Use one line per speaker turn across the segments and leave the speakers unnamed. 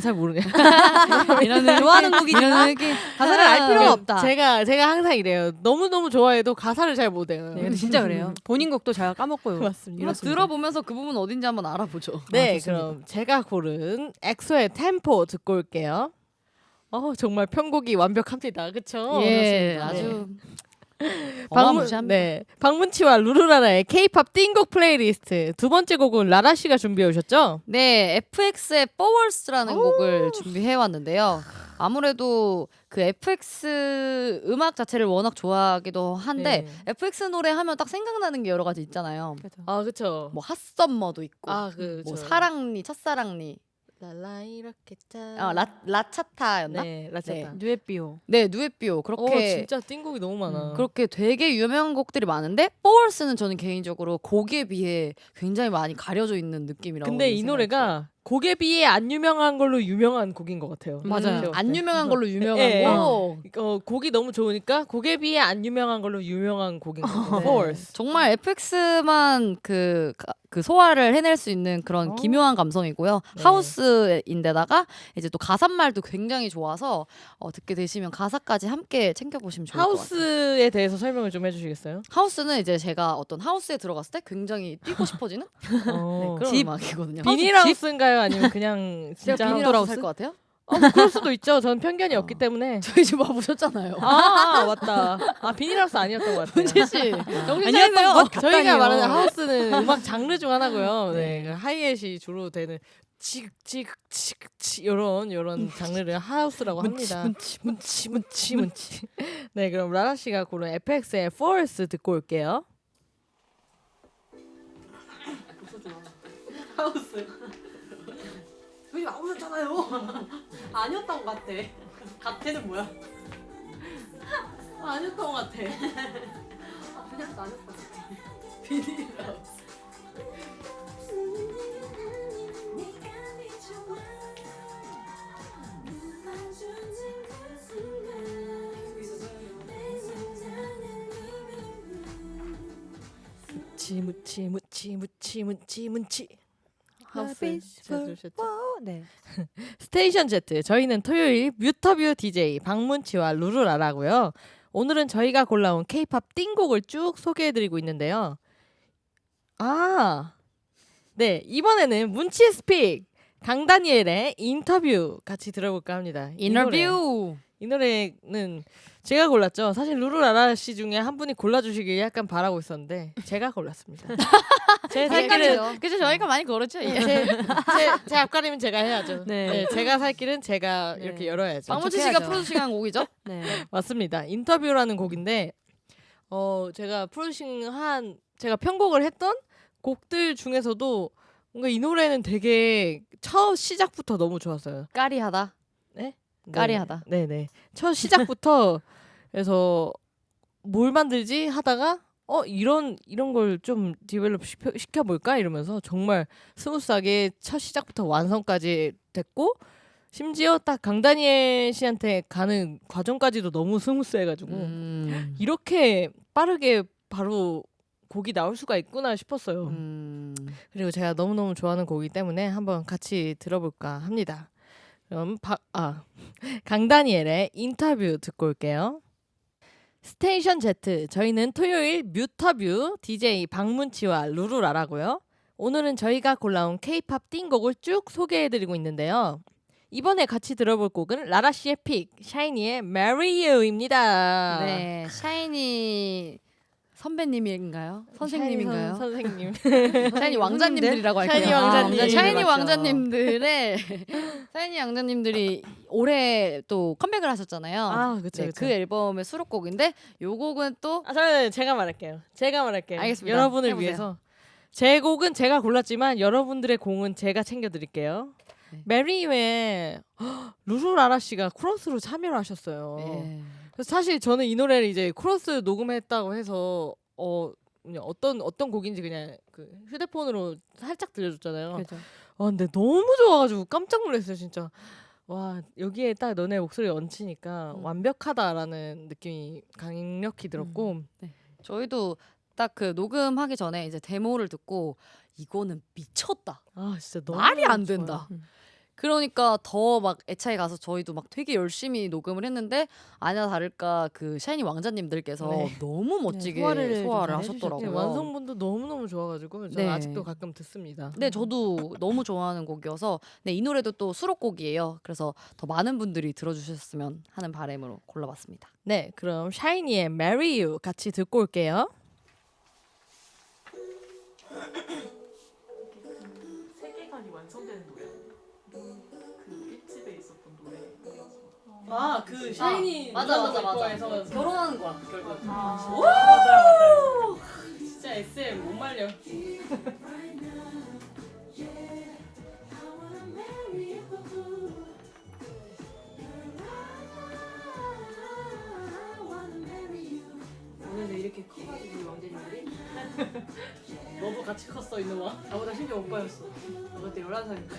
가사를 모르네.
이런
좋아하는 곡이지만
느낌.
가사를 알 필요가 없다.
제가 항상 이래요. 너무 좋아해도 가사를 잘 못 외워요.
네, 근데 진짜 그래요. 본인 곡도 잘 까먹고요.
맞습니다.
이거 들어보면서 그 부분 어딘지 한번 알아보죠.
네,
좋습니다.
그럼 제가 고른 엑소의 템포 듣고 올게요. 정말 편곡이 완벽합니다. 그쵸?
예,
그렇습니다.
아주 어마무시합니다.
네, 박문치와 루루라라의 K-팝 띵곡 플레이리스트 두 번째 곡은 라라 씨가 준비해 오셨죠?
네, FX의 Forwards라는 곡을 준비해 왔는데요. 아무래도 그 FX 음악 자체를 워낙 좋아하기도 한데
네.
FX 노래 하면 딱 생각나는 게 여러 가지 있잖아요.
아 그쵸.
뭐 핫썸머도 있고,
그쵸.
뭐 사랑니, 첫사랑니,
랄라 이렇게 짜.
라차타였나?
네, 라차타.
뉴에비오.
네, 누에비오 그렇게
진짜 띵곡이 너무 많아.
그렇게 되게 유명한 곡들이 많은데 Forwards는 저는 개인적으로 곡에 비해 굉장히 많이 가려져 있는 느낌이라고.
근데 이
생각이
노래가 곡에 비해 안 유명한 걸로 유명한 곡인 것 같아요.
맞아요.
그렇죠?
안 유명한 걸로 유명한
예,
거.
곡이 너무 좋으니까 곡에 비해 안 유명한 걸로 유명한 곡인 거예요.
네.
Force.
정말 FX만 그 소화를 해낼 수 있는 그런 기묘한 감성이고요.
네.
하우스인데다가 이제 또 가사말도 굉장히 좋아서 듣게 되시면 가사까지 함께 챙겨보시면 좋을 것 같아요.
하우스에 대해서 설명을 좀 해주시겠어요?
하우스는 이제 제가 어떤 하우스에 들어갔을 때 굉장히 뛰고 싶어지는 네, 그런
집.
음악이거든요.
비닐하우스인가요? 아니면 그냥
제가
진짜
비닐하우스 살것 같아요?
그럴 수도 있죠. 전 편견이 없기 때문에.
저희 집 와보셨잖아요.
맞다. 비닐하우스 아니었던 것 같아요.
문재 씨 정신
아니었던
차리세요.
것
저희가
같다니요.
말하는 하우스는 음악 장르 중 하나고요. 네, 그 하이햇이 주로 되는 치극치극치극치 요런 장르를 하우스라고 합니다. 문치. 네, 그럼 라라 씨가 고른 FX의 Force 듣고 올게요.
하우스. 여기 나오셨잖아요. 아니었던 것 같아. 같애는 뭐야?
아니었던 것 같아.
그냥 아니었던 것 같아.
비닐하우스. 문치. 하우스 잘 들으셨죠?
네.
스테이션 Z 저희는 토요일 뮤터뷰 DJ 박문치와 루루라라고요. 오늘은 저희가 골라온 K-팝 띵곡을 쭉 소개해드리고 있는데요. 네, 이번에는 문치 스픽 강다니엘의 인터뷰 같이 들어볼까 합니다.
인터뷰.
이 노래는 제가 골랐죠. 사실 루루라라 씨 중에 한 분이 골라주시길 약간 바라고 있었는데 제가 골랐습니다. 제 살 길은
그죠 저희가 많이 걸었죠.
제 앞가림은 제가 해야죠.
네.
네, 제가 살 길은 제가
네.
이렇게 열어야죠.
박문치 씨가
해야죠.
프로듀싱한 곡이죠?
네.
맞습니다. 인터뷰라는 곡인데 제가 프로듀싱한 제가 편곡을 했던 곡들 중에서도 뭔가 이 노래는 되게 첫 시작부터 너무 좋았어요.
까리하다.
네?
까리하다.
네네. 첫 시작부터 그래서 뭘 만들지 하다가 이런 걸 좀 디벨롭 시켜볼까 이러면서 정말 스무스하게 첫 시작부터 완성까지 됐고 심지어 딱 강다니엘 씨한테 가는 과정까지도 너무 스무스해가지고 이렇게 빠르게 바로 곡이 나올 수가 있구나 싶었어요. 그리고 제가 너무너무 좋아하는 곡이기 때문에 한번 같이 들어볼까 합니다. 그럼 강다니엘의 인터뷰 듣고 올게요. 스테이션 Z 저희는 토요일 뮤터뷰 DJ 박문치와 루루라라고요. 오늘은 저희가 골라온 K-팝 띵곡을 쭉 소개해드리고 있는데요. 이번에 같이 들어볼 곡은 라라 씨의 픽 샤이니의 Marry You입니다.
네, 샤이니 선배님인가요? 선생님인가요?
선생님.
샤이니 왕자님들이라고 할게요.
샤이니 왕자님.
샤이니
맞죠.
왕자님들의 샤이니 왕자님들이 올해 또 컴백을 하셨잖아요.
그쵸,
네,
그쵸.
그 앨범의 수록곡인데 요 곡은 또
저는 제가 말할게요.
알겠습니다.
여러분을
해보세요.
위해서 제 곡은 제가 골랐지만 여러분들의 곡은 제가 챙겨드릴게요.
네.
메리의 루루라라 씨가 코러스로 참여를 하셨어요.
예.
그래서 사실 저는 이 노래를 이제 코러스 녹음했다고 해서 그냥 어떤 곡인지 그냥 그 휴대폰으로 살짝 들려줬잖아요.
그죠.
근데 너무 좋아가지고 깜짝 놀랐어요 진짜. 와 여기에 딱 너네 목소리 얹히니까 완벽하다라는 느낌이 강력히 들었고
저희도 딱 그 녹음하기 전에 이제 데모를 듣고 이거는 미쳤다.
진짜 너무
말이 안
좋아요.
된다. 그러니까 더 막 애차에 가서 저희도 막 되게 열심히 녹음을 했는데 아냐 다를까 그 샤이니 왕자님들께서
네.
너무 멋지게
소화를 좀
소화를
잘
네,
하셨더라고요.
완성분도 너무너무 좋아가지고 저는
네.
아직도 가끔 듣습니다.
네, 저도 너무 좋아하는 곡이어서 네, 이 노래도 또 수록곡이에요. 그래서 더 많은 분들이 들어주셨으면 하는 바람으로 골라봤습니다.
네, 그럼 샤이니의 Marry You 같이 듣고 올게요.
세계관이 완성되는 노래. 그 1집에 있었던 노래.
아, 그 샤이니
맞아. 결혼하는 거야 결국.
맞아요.
진짜 SM 못 말려.
오늘도 이렇게 커가지고 우리 왕자님들이
너도 같이 컸어 이놈아.
나보다 심지어 오빠였어. 나 그때 11살이니까.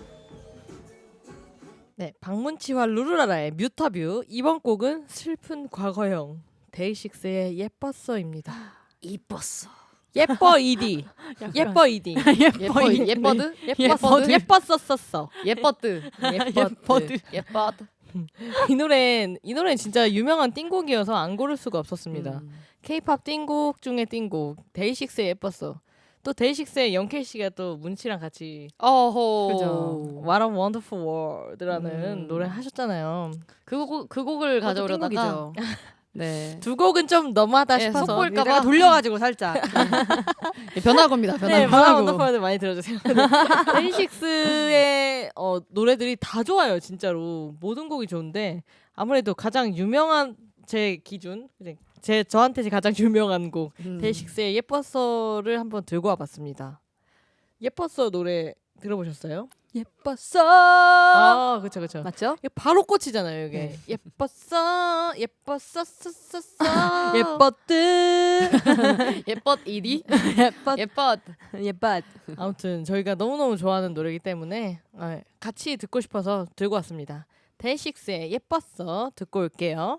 네, 박문치와 루루라라의 뮤터뷰. 이번 곡은 슬픈 과거형 데이식스의 예뻤어입니다.
이뻤어.
예뻐 이디. 예뻐 이디.
예뻐드?
예뻤었었어.
예뻐드.
예뻐드.
예뻐드.
이 노래는 진짜 유명한 띵곡이어서 안 고를 수가 없었습니다. K-팝 띵곡 중에 띵곡. 데이식스의 예뻤어. 또 데이식스의 영케이 씨가 또 문치랑 같이
어허.
그죠. What a Wonderful World라는 노래 하셨잖아요.
그 곡을 가져오려다가
띵곡이죠.
네.
두 곡은 좀 너무하다
네,
싶어서
속볼까
내가 돌려가지고 살짝.
변화겁니다.
네,
변화고.
What a Wonderful World 많이 들어주세요. 데이식스의 노래들이 다 좋아요, 진짜로. 모든 곡이 좋은데 아무래도 가장 유명한 제 기준, 저한테 가장 유명한 곡 데이식스의 예뻤어를 한번 들고 와봤습니다. 예뻤어 노래 들어보셨어요?
예뻤어.
아, 그쵸.
맞죠?
이게 바로 꽂히잖아요, 이게.
네.
예뻤어.
예뻤드.
예뻤 이디.
예뻤.
예뻤.
예뻤.
아무튼 저희가 너무너무 좋아하는 노래이기 때문에 같이 듣고 싶어서 들고 왔습니다. 데이식스의 예뻤어 듣고 올게요.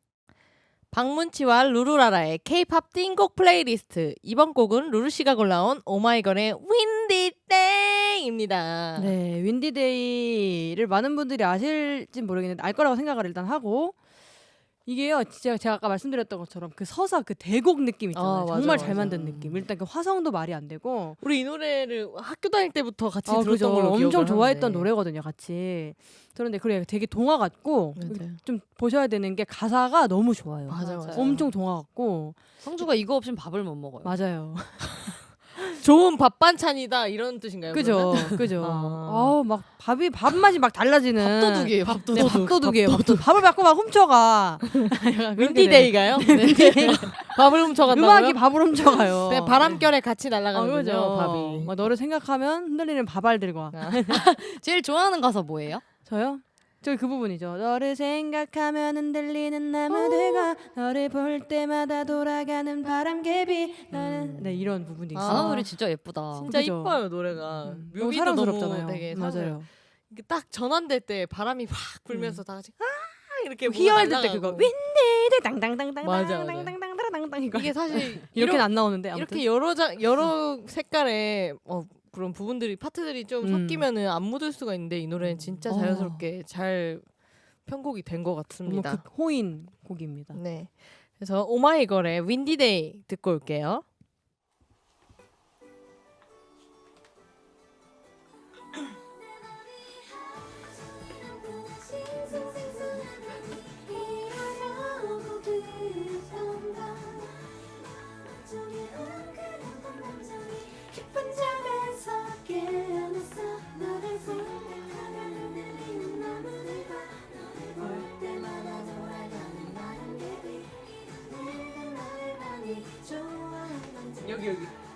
박문치와 루루라라의 K-팝 띵곡 플레이리스트. 이번 곡은 루루 씨가 골라온 오마이걸의 윈디 땡입니다.
네, 윈디데이를 많은 분들이 아실진 모르겠는데 알 거라고 생각을 일단 하고 이게요, 진짜 제가 아까 말씀드렸던 것처럼 그 서사 그 대곡 느낌 있잖아요.
맞아,
정말
맞아.
잘 만든 느낌. 일단 그 화성도 말이 안 되고.
우리 이 노래를 학교 다닐 때부터 같이 들었던
그죠.
걸로
엄청
기억을
좋아했던
하는데.
노래거든요, 같이. 그런데 그래 되게 동화 같고
맞아요.
좀 보셔야 되는 게 가사가 너무 좋아요.
맞아요.
엄청 동화 같고
성주가 이거 없이는 밥을 못 먹어요.
맞아요.
좋은 밥 반찬이다 이런 뜻인가요?
그죠,
그러면?
그죠.
아.
막 밥 맛이 막 달라지는.
밥도둑이에요.
네, 밥도둑이에요. 밥을 받고 막 훔쳐가.
윈디데이가요? 밥을 훔쳐간다고요?
음악이 밥을 훔쳐가요.
그냥 바람결에 같이
아,
날아가는군요.
그죠.
밥이.
막 너를 생각하면 흔들리는 밥알들과.
제일 좋아하는 가사 뭐예요?
저요? 저기 그 부분이죠. 너를 생각하면 흔들리는 나무들과 너를 볼 때마다 돌아가는 바람개비. 나는 네 이런 부분이 있어요.
가사 노래 진짜 예쁘다.
진짜
그죠.
이뻐요 노래가.
너무
뮤비도
사랑스럽잖아요.
너무 되게
맞아요.
이게 딱 전환될 때 바람이 확 불면서 다 같이 이렇게
희열될 때
날아가고.
그거 윈디들 땅땅땅땅
맞아.
땅땅땅땅땅땅 이거
이게 사실
이렇게는 안 나오는데 아무튼.
이렇게 여러 색깔의 그런 부분들이 파트들이 좀 섞이면은 안 묻을 수가 있는데 이 노래는 진짜 자연스럽게 잘 편곡이 된 것
너무
같습니다.
극호인 곡입니다.
네. 그래서 오마이걸의 윈디데이 듣고 올게요. 여기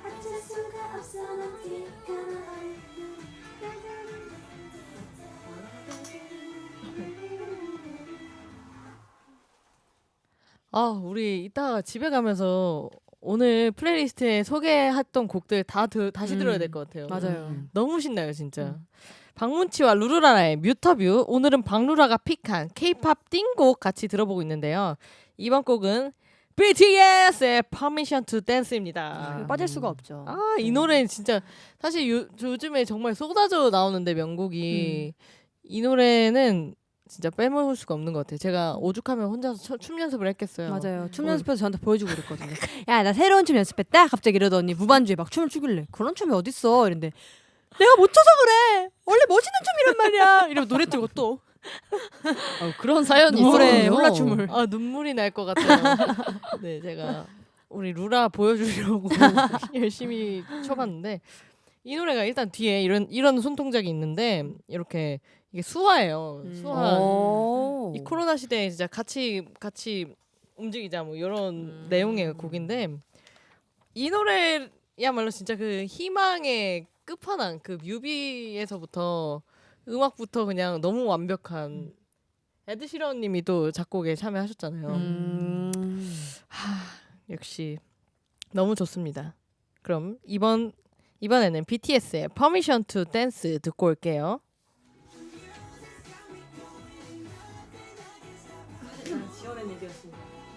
우리 이따가 집에 가면서 오늘 플레이리스트에 소개했던 곡들 다시 들어야 될 것 같아요.
맞아요.
너무 신나요 진짜. 박문치와 루루라라의 뮤터뷰. 오늘은 박루라가 픽한 K-팝 띵곡 같이 들어보고 있는데요. 이번 곡은 BTS의 Permission to Dance입니다.
빠질 수가 없죠.
아, 이 노래는 진짜 사실 요즘에 정말 쏟아져 나오는데 명곡이 이 노래는 진짜 빼먹을 수가 없는 것 같아요. 제가 오죽하면 혼자서 춤 연습을 했겠어요.
맞아요. 춤 연습해서 저한테 보여주고 그랬거든요. 야, 나 새로운 춤 연습했다. 갑자기 이러더니 무반주에 막 춤을 추길래 그런 춤이 어딨어? 이랬는데 내가 못 춰서 그래. 원래 멋있는 춤이란 말이야. 이러면 노래 틀고 또
그런 사연이
노래
있어요.
홀라춤을.
아, 눈물이 날 것 같아요. 네, 제가 우리 루라 보여주려고 열심히 쳐봤는데 이 노래가 일단 뒤에 이런 손동작이 있는데 이렇게 이게 수화예요. 수화.
오.
이 코로나 시대에 진짜 같이 움직이자 뭐 이런 내용의 곡인데 이 노래야말로 진짜 그 희망의 끝판왕 그 뮤비에서부터 음악부터 그냥 너무 완벽한 에드 시런님이 또 작곡에 참여하셨잖아요. 역시 너무 좋습니다. 그럼 이번에는 BTS의 Permission to Dance 듣고 올게요.
지원의 얘기였습니다.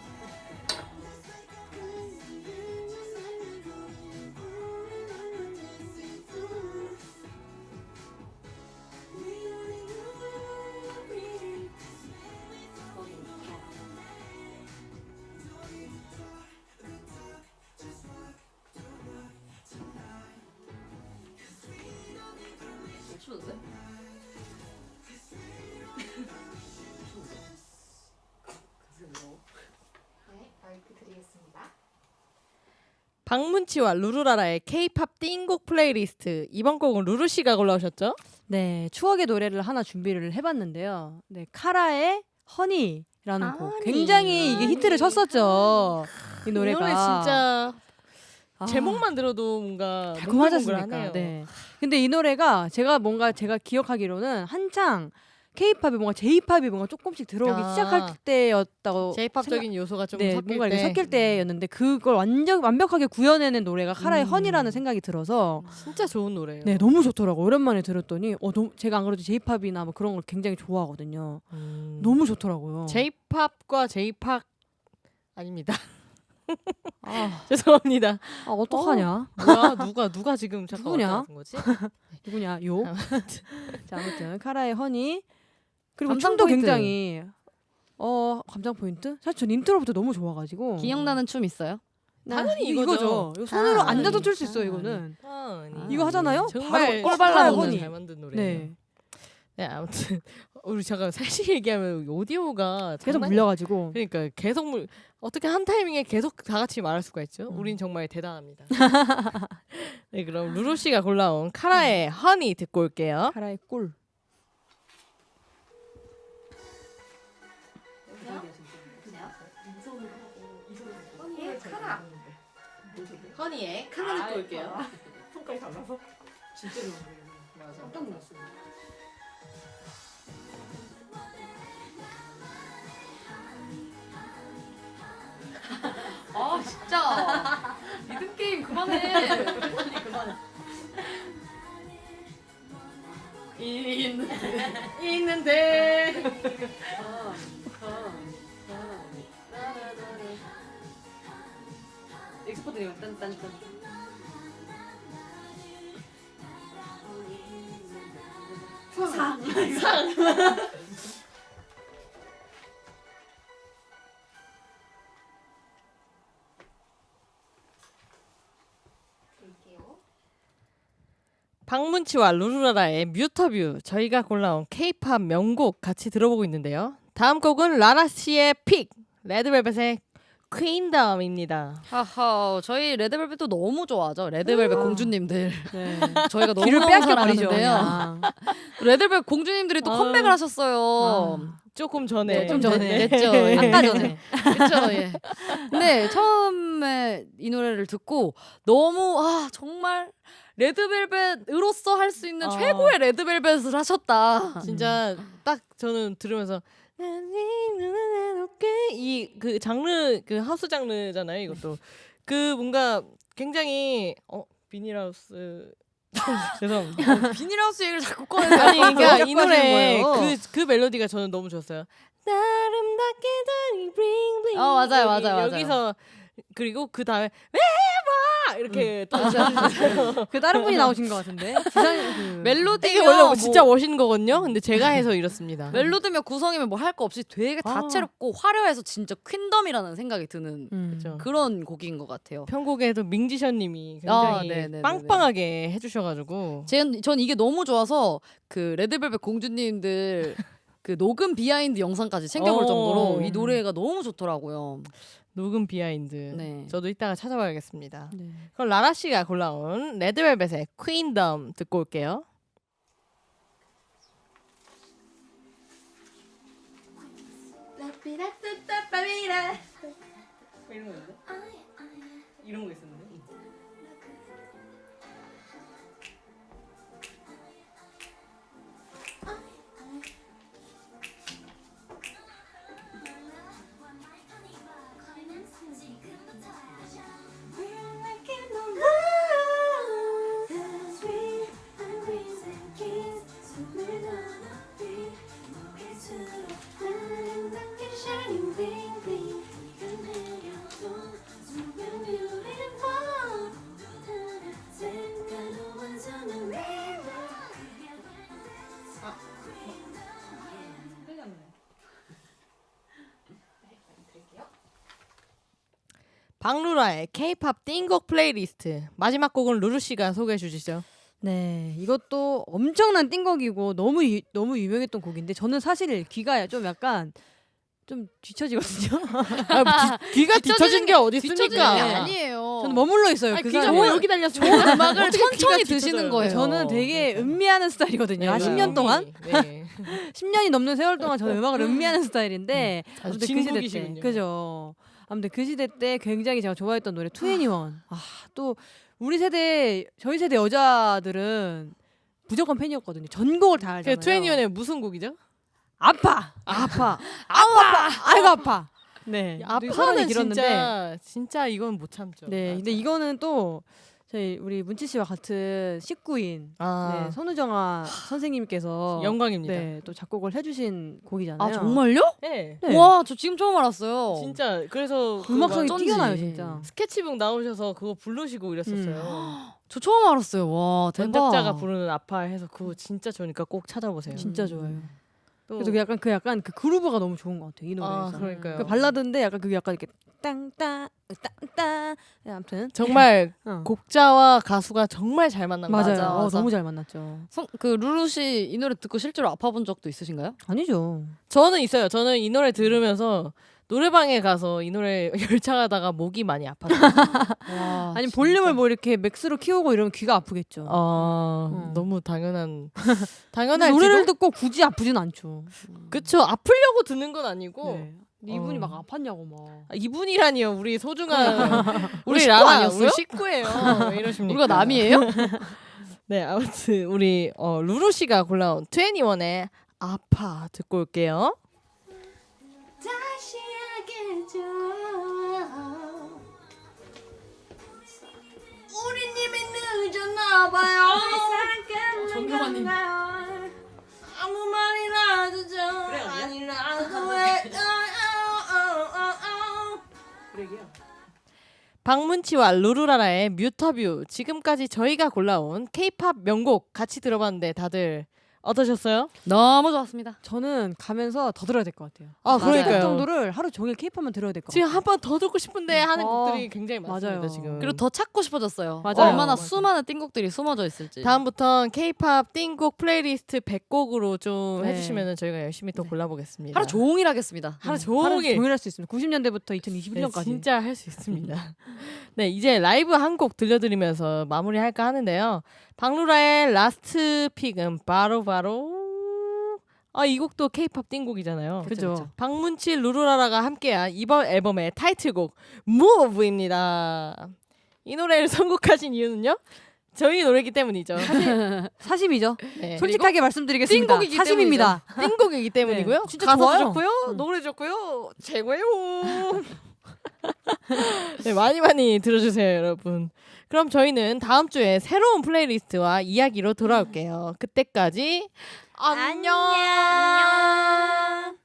박문치와 루루라라의 K-팝 띵곡 플레이리스트. 이번 곡은 루루 씨가 골라오셨죠?
네, 추억의 노래를 하나 준비를 해봤는데요. 네, 카라의 허니라는 곡. 굉장히 이게 히트를 쳤었죠. 이 노래가.
이 노래 진짜
아,
제목만 들어도 뭔가
달콤하지
몽글몽글하네요.
않습니까? 네. 근데 이 노래가 제가 기억하기로는 한창 K-팝이 뭔가 J-팝이 뭔가 조금씩 들어오기
아.
시작할 때였다고
J-팝적인 요소가 좀
네,
섞일
뭔가 이렇게
때
섞일 때였는데 그걸 완벽하게 구현해낸 노래가 카라의 허니라는 생각이 들어서
진짜 좋은 노래예요.
네, 너무 좋더라고. 오랜만에 들었더니 제가 안 그래도 J-팝이나 뭐 그런 걸 굉장히 좋아하거든요. 너무 좋더라고요.
J-팝과 J-팝 아닙니다.
아,
죄송합니다.
어떡하냐?
뭐야 누가 지금 잠깐
누구냐?
왔다 갔은 거지?
누구냐? 요. 자, 아무튼 카라의 허니 그리고
감상
춤도
포인트.
굉장히 감상 포인트? 사실 전 인트로부터 너무 좋아가지고
기억나는 춤 있어요?
당연히
이거죠. 이거 손으로
아,
앉아도
허니.
출 수 있어요. 이거는
허니.
이거 하잖아요.
정말
바로
꼴 발라보는
허니.
잘 만든 노래예요.
네,
네, 아무튼 우리 잠깐 사실 얘기하면 오디오가
계속
장난이-
물려가지고
그러니까 계속 어떻게 한 타이밍에 계속 다 같이 말할 수가 있죠? 우린 정말 대단합니다. 네, 그럼 루루 씨가 골라온 카라의 허니 듣고 올게요.
카라의 꿀.
허니의 카라 듣고 올게요.
손가락 달라서 진짜 좋은 노래예요. 맞아. 깜짝 놀랐어요.
아 진짜 리듬 게임 그만해.
있는데
엑스포트 이거 딴딴딴.
박문치와 루루라라의 뮤터뷰 저희가 골라온 K-팝 명곡 같이 들어보고 있는데요. 다음 곡은 라라 씨의 픽 레드벨벳의 퀸덤입니다.
하하, 저희 레드벨벳도 너무 좋아하죠. 레드벨벳 공주님들.
네.
저희가 너무
귀를 빼앗겨 버리죠.
사랑하는데요. 레드벨벳 공주님들이 또 컴백을 하셨어요.
조금 전에
좀 전에 됐죠.
네. 아까 전에.
그렇죠. 예. 근데 처음에 이 노래를 듣고 너무 정말 레드벨벳으로서 할 수 있는 최고의 레드벨벳을 하셨다.
진짜 딱 저는 들으면서 이 그 장르 그 하우스 장르잖아요. 이것도 그 뭔가 굉장히 비닐하우스 죄송합니다.
비닐하우스 얘기를 자꾸 꺼내서
아니 그러니까 이
자꾸 하시는
노래
거예요.
그 멜로디가 저는 너무 좋았어요. 아름답게 다니 블링블링.
맞아요, 맞아요.
여기서 그리고 그 다음에 왜봐 이렇게 또 해주셨어요.
그 다른 분이 나오신 것 같은데. 그
멜로디가
이게 원래 진짜 멋있는 거거든요. 근데 제가 해서 이렇습니다.
멜로디며 구성이면 뭐 할 거 없이 되게 다채롭고 화려해서 진짜 퀸덤이라는 생각이 드는
그렇죠.
그런 곡인 것 같아요.
편곡에도 민지션님이
아,
굉장히
네네네네.
빵빵하게 해주셔가지고
전 이게 너무 좋아서 그 레드벨벳 공주님들 그 녹음 비하인드 영상까지 챙겨볼 정도로 이 노래가 너무 좋더라고요.
녹음 비하인드.
네.
저도 이따가 찾아봐야겠습니다.
네.
그럼 라라 씨가 골라온 레드벨벳의 퀸덤 듣고 올게요. 이런 거 있는데? 이런 거 있었는데? 박루라의 K-팝 띵곡 플레이리스트. 마지막 곡은 루루 씨가 소개해 주시죠.
네, 이것도 엄청난 띵곡이고 너무 유명했던 곡인데 저는 사실 귀가 좀 약간 좀 뒤처지거든요.
귀가 뒤처진 게 어디
뒤처지는 게
있습니까?
아니에요.
저는 머물러 있어요.
아니,
그
귀가
사이에.
뭐 여기 달렸어.
좋은 음악을
어떻게
천천히
귀가
드시는
뒤쳐져요?
거예요.
저는 되게 음미하는 스타일이거든요. 한 10년 동안,
네.
10년이 넘는 세월 동안 저는 음악을 음미하는 스타일인데
아주
아무튼 그 시대 때,
진국이시군요.
그죠. 아무튼 그 시대 때 굉장히 제가 좋아했던 노래 2NE1. 또 우리 세대, 저희 세대 여자들은 무조건 팬이었거든요. 전곡을 다
그
알잖아요.
트웬티원의 무슨 곡이죠?
아파. 아이고 아파. 네. 되게 사랑이
아파는
길었는데.
진짜 이건 못 참죠.
네. 근데 이거는 또 저희 우리 문치 씨와 같은 식구인
아,
네, 손우정아 선생님께서
영광입니다.
네, 또 작곡을 해주신 곡이잖아요.
아 정말요?
네.
네.
와, 저 지금 처음 알았어요.
진짜 그래서 그
음악성이
막
어쩐지.
뛰어나요 진짜.
스케치북 나오셔서 그거 부르시고 이랬었어요.
저 처음 알았어요. 와, 대박.
원작자가 부르는 아파해서 그거 진짜 좋으니까 꼭 찾아보세요.
진짜 좋아요.
또
그래서 그 약간 그 그루브가 너무 좋은 것 같아요 이 노래에서.
그러니까요.
그 발라드인데 약간 그게 약간 이렇게 땅땅 땅땅. 네, 아무튼
정말
어.
곡자와 가수가 정말 잘 만난 거
맞아요.
같아요.
맞아.
너무 잘 만났죠.
그 루루 씨 이 노래 듣고 실제로 아파본 적도 있으신가요?
아니죠.
저는 있어요. 저는 이 노래 들으면서 노래방에 가서 이 노래 열창하다가 목이 많이 아팠어요.
와,
아니
진짜.
볼륨을 뭐 이렇게 맥스로 키우고 이러면 귀가 아프겠죠.
너무 당연한
근데
당연한
노래를 듣고 굳이 아프진 않죠.
그쵸. 아프려고 듣는 건 아니고
네. 이분이
어.
막 아팠냐고 막.
이분이라니요. 우리 소중한
우리 식구
라라,
아니었어요?
우리 식구예요. 왜 이러십니까?
우리가 남이에요?
네, 아무튼 우리 루루 씨가 골라온 21의 아파 듣고 올게요.
다시 하겠죠. 우리 님이 늦었나봐요. 사랑 끝나가요. 아무 말이라도 좀 아니라도 왜
박문치와 루루라라의 뮤터뷰. 지금까지 저희가 골라온 K-팝 명곡 같이 들어봤는데 다들 어떠셨어요?
너무 좋았습니다.
저는 가면서 더 들어야 될 것 같아요.
아,
맞아요.
그 정도를 하루 종일 케이팝만 들어야 될 것
지금
같아요.
한 번 더 듣고 싶은데 하는
어,
곡들이 굉장히 많습니다.
맞아요.
지금.
그리고 더 찾고 싶어졌어요.
맞아요.
얼마나
맞아요.
수많은 띵곡들이 숨어져 있을지.
다음부턴 K-팝 띵곡 플레이리스트 100곡으로 좀
네.
해주시면 저희가 열심히 또
네.
골라보겠습니다.
하루 종일 하겠습니다.
하루
하루
종일.
종일 할 수 있습니다. 90년대부터 2021년까지.
네, 진짜 할 수 있습니다. 네, 이제 라이브 한 곡 들려드리면서 마무리할까 하는데요. 박루라의 라스트 픽은 바로 이 곡도 K-팝 띵곡이잖아요.
그죠.
박문치 루루라라가 함께한 이번 앨범의 타이틀곡 Move입니다. 이 노래를 선곡하신 이유는요? 저희 노래이기 때문이죠.
사심이죠.
네.
솔직하게 말씀드리겠습니다.
띵곡이기
사심입니다.
띵곡이기 때문이고요.
네, 진짜
가사도
좋아요.
좋고요. 노래 좋고요. 최고예요. 네, 많이 들어주세요, 여러분. 그럼 저희는 다음 주에 새로운 플레이리스트와 이야기로 돌아올게요. 그때까지 안녕.
안녕.